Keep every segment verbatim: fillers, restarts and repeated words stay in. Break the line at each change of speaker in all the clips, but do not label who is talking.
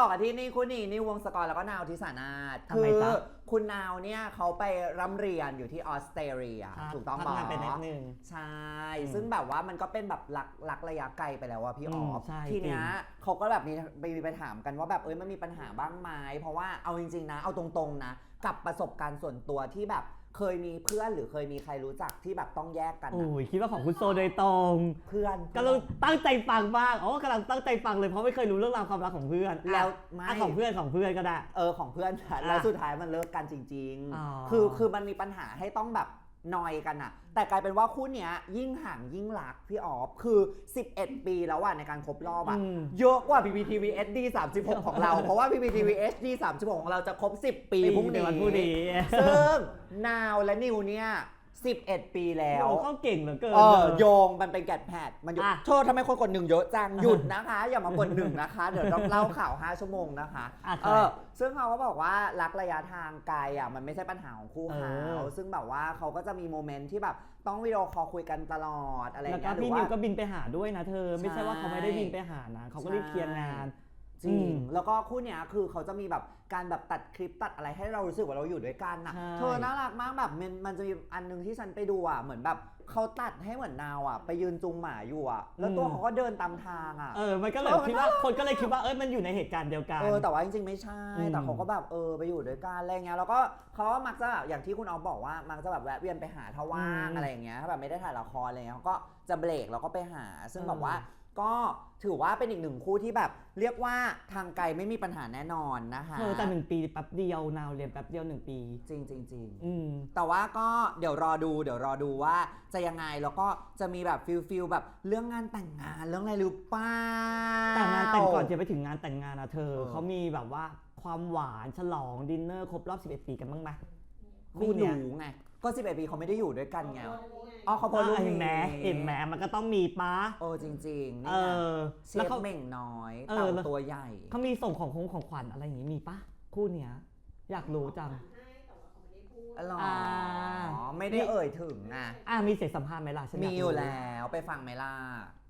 ต่อกันที่นี่คุณนี่นิววงศกรแล้วก็นาวทิสานาถคือคุณนาวเนี่ยเขาไปร่ำเรียนอยู่ที่ออสเตรเลียถูกต้องบอก
ทำงานไปนิดนึง
ใช่ซึ่งแบบว่ามันก็เป็นแบบหลักหลักระยะไกลไปแล้วว่าพี่ออฟทีเนี้ยเขาก็แบบมีไปถามกันว่าแบบเอ้ยมันมีปัญหาบ้างไหมเพราะว่าเอาจริงๆนะเอาตรงๆนะกับประสบการณ์ส่วนตัวที่แบบเคยมีเพื่อนหรือเคยมีใครรู้จักที่แบบต้องแยกกัน
โอ้ยคิดว่าของคุณโซโดยตรง
เพื่อน
กำลังตั้งใจฟังบ้างอ๋อกำลังตั้งใจฟังเลยเพราะไม่เคยรู้เรื่องราวความรักของเพื่อน
แล้วไม่
ของเพื่อนของเพื่อนก็ได้
เออของเพื่อนแล้วสุดท้ายมันเลิกกันจริงๆคือคือมันมีปัญหาให้ต้องแบบนอยกันอะแต่กลายเป็นว่าคู่เนี้ยยิ่งห่างยิ่งรักพี่ออฟคือสิบเอ็ดปีแล้วอะในการครบรอบอะเยอะกว่า พี พี ที วี เอช ดี สามสิบหกของเราเพราะว่า พี พี ที วี เอช ดี สามสิบหกของเราจะครบสิบปีพรุ่งนี้ซึ่งนาวและนิวเนี่ยสิบเอ็ดปีแล้ว
เขาเก่งเหลือเกิน
เออโยงมันเป็นแกดแพดมันหยุดโทษทำไมคนกดหนึ่งเยอะจังหยุดนะคะอย่ามากดหนึ่งนะคะเดี๋ยวต้องเล่าข่าวห้าชั่วโมงนะคะเออซึ่งเขาก็บอกว่ารักระยะทางไกลอ่ะมันไม่ใช่ปัญหาของคู่เขาซึ่งแบบว่าเขาก็จะมีโมเมนต์ที่แบบต้องวิดีโอคอลคุยกันตลอดอะไรอย่างเงี้ย
แล้วก็พี่นิวก็บินไปหาด้วยนะเธอไม่ใช่ว่าเขาไม่ได้บินไปหานะเขาก็รีบเคลียร์งาน
จริงแล้วก็คู่เนี้ยคือเขาจะมีแบบการแบบตัดคลิปตัดอะไรให้เรารู้สึกว่าเราอยู่ด้วยกันนะเธอน่ารักมากแบบมันมันจะมีอันนึงที่ฉันไปดูอ่ะเหมือนแบบเขาตัดให้เหมือนนาวอ่ะไปยืนจูงหมาอยู่อ่ะแล้วตัวเขาก็เดินตามทางอ่ะ
เออมันก็เลยคิดว่าคนก็เลยคิดว่าเอ้ยมันอยู่ในเหตุการณ์เดียวกัน
เออแต่ว่าจริงๆไม่ใช่แต่เขาก็แบบเออไปอยู่ด้วยกันอะไรเงี้ยแล้วก็เขาก็มักจะอย่างที่คุณออฟบอกว่ามักจะแบบแวะเวียนไปหาถ้าว่างอะไรอย่างเงี้ยถ้าแบบไม่ได้ถ่ายละครอะไรเงี้ยเขาก็จะเบรกแล้วก็ไปหาซึ่งแบบว่าก็ถือว่าเป็นอีกหนึ่งคู่ที่แบบเรียกว่าทางไกลไม่มีปัญหาแน่นอนนะคะ
เออแต่หนึ่งปีแป๊บเดียวนาวเรียนแป๊บเดียวหนึ่งปี
จริงจริงจริง
ม
แต่ว่าก็เดี๋ยวรอดูเดี๋ยวรอดูว่าจะยังไงแล้วก็จะมีแบบฟิลฟิลแบบเรื่องงานแต่งงานเรื่องอะไรหรือเปล่า
แต่งานแต่งก่อนจะไปถึงงานแต่งงานนะเธอเขามีแบบว่าความหวานฉลองดินเนอร์ครบรอบสิบเอ็ดปีกันบ้างไหม
ไม่รู้ไงก็สิบเอ็ดปีเขาไม่ได้อยู่ด้วยกันไงอ๋อเขาพอรู้
เห็นไหมเห็นไหมมันก็ต้องมีปะ
โอ้จริงๆ
เออ
เชฟเม่งน้อยเต่าตัวใหญ่
เขามีส่งของของของขวัญอะไรอย่างงี้มีปะคู่เนี้ยอยากรู้จัง
อ๋อไม่ได้เอ่ยถึงนะ
อ่ะมีเสียงสัมภาษณ์ไหมล่ะ
มีอยู่แล้วไปฟังไหมล่ะ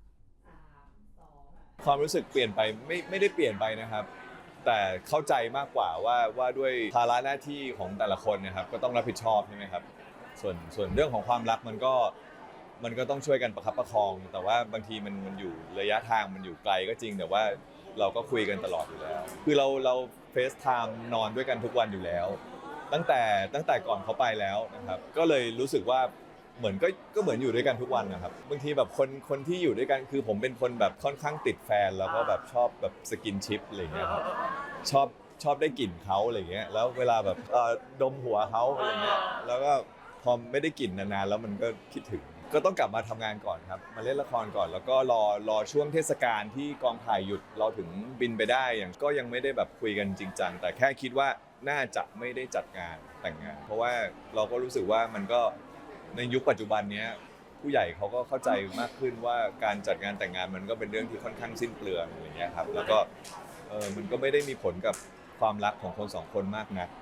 ความรู้สึกเปลี่ยนไปไม่ไม่ได้เปลี่ยนไปนะครับแต่เข้าใจมากกว่าว่าว่าด้วยภาระหน้าที่ของแต่ละคนนะครับก็ต้องรับผิดชอบใช่ไหมครับส่วนส่วนเรื่องของความรักมันก็มันก็ต้องช่วยกันประคับประคองแต่ว่าบางทีมันมันอยู่ระยะทางมันอยู่ไกลก็จริงแต่ว่าเราก็คุยกันตลอดอยู่แล้วคือเราเราเฟซไทม์นอนด้วยกันทุกวันอยู่แล้วตั้งแต่ตั้งแต่ก่อนเขาไปแล้วนะครับก็เลยรู้สึกว่าเหมือนก็ก็เหมือนอยู่ด้วยกันทุกวันนะครับบางทีแบบคนคนที่อยู่ด้วยกันคือผมเป็นคนแบบค่อนข้างติดแฟนแล้วก็แบบชอบแบบสกินชิปอะไรเงี้ยครับชอบชอบได้กลิ่นเขาอะไรเงี้ยแล้วเวลาแบบดมหัวเขาอะไรเงี้ยแล้วก็พอไม่ได้กลิ่นนานๆแล้วมันก็คิดถึงก็ต้องกลับมาทำงานก่อนครับมาเล่นละครก่อนแล้วก็รอรอช่วงเทศกาลที่กองถ่ายหยุดเราถึงบินไปได้อย่างก็ยังไม่ได้แบบคุยกันจริงจังแต่แค่คิดว่าน่าจะไม่ได้จัดงานแต่งงานเพราะว่าเราก็รู้สึกว่ามันก็ในยุคปัจจุบันนี้ผู้ใหญ่เขาก็เข้าใจมากขึ้นว่าการจัดงานแต่งงานมันก็เป็นเรื่องที่ค่อนข้างสิ้นเปลืองอย่างเงี้ยครับแล้วก็เออมันก็ไม่ได้มีผลกับความรักของคนสองคนมากนัก